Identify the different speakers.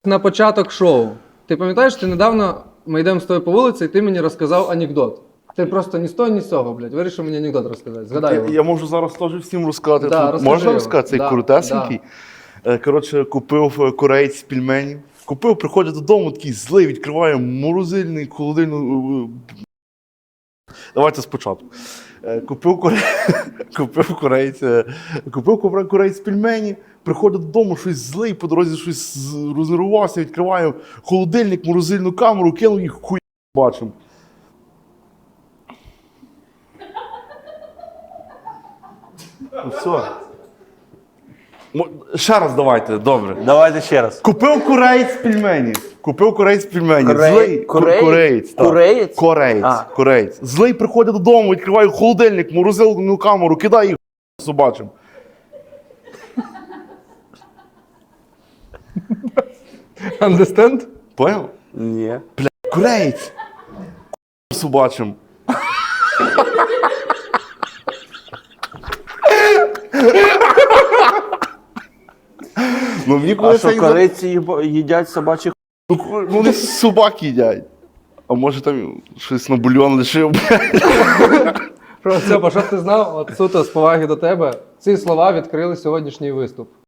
Speaker 1: На початок шоу. Ти пам'ятаєш, ти недавно, ми йдемо з тобою по вулиці, і ти мені розказав анекдот. Ти просто ні з того, ні з цього, блядь, вирішив мені анекдот розказати. Згадай його.
Speaker 2: Я можу зараз теж всім розказати.
Speaker 1: Да, розкажи
Speaker 2: Можна
Speaker 1: його.
Speaker 2: розказати? Цей
Speaker 1: Да,
Speaker 2: коротесенький. Коротше, купив кореєць пельменів. Купив, приходить додому, такий злий, відкриває морозильний, холодильну. Давайте спочатку. Купив кореєць пельменів, приходить додому, щось злий, по дорозі щось рознервувався, відкриває холодильник, морозильну камеру, кинув їх, хуй бачимо. Ну все. Ще раз давайте, добре.
Speaker 3: Давайте ще раз.
Speaker 2: Купив кореєць пельменів. Злий
Speaker 3: Кореєць?
Speaker 2: так.
Speaker 3: Кореєць?
Speaker 2: Кореєць. Злий приходить додому, відкриває холодильник, морозильну камеру, кидає їх собачим.
Speaker 1: Understand?
Speaker 2: Поняв?
Speaker 3: Ні.
Speaker 2: Кореєць. Собачим. Ну, мені
Speaker 3: А
Speaker 2: коли
Speaker 3: що, кориці їдять собачих?
Speaker 2: Ну, вони собаки їдять. А може там щось на бульйон лишив,
Speaker 1: Про це, щоб ти знав, от суто з поваги до тебе, ці слова відкрили сьогоднішній виступ.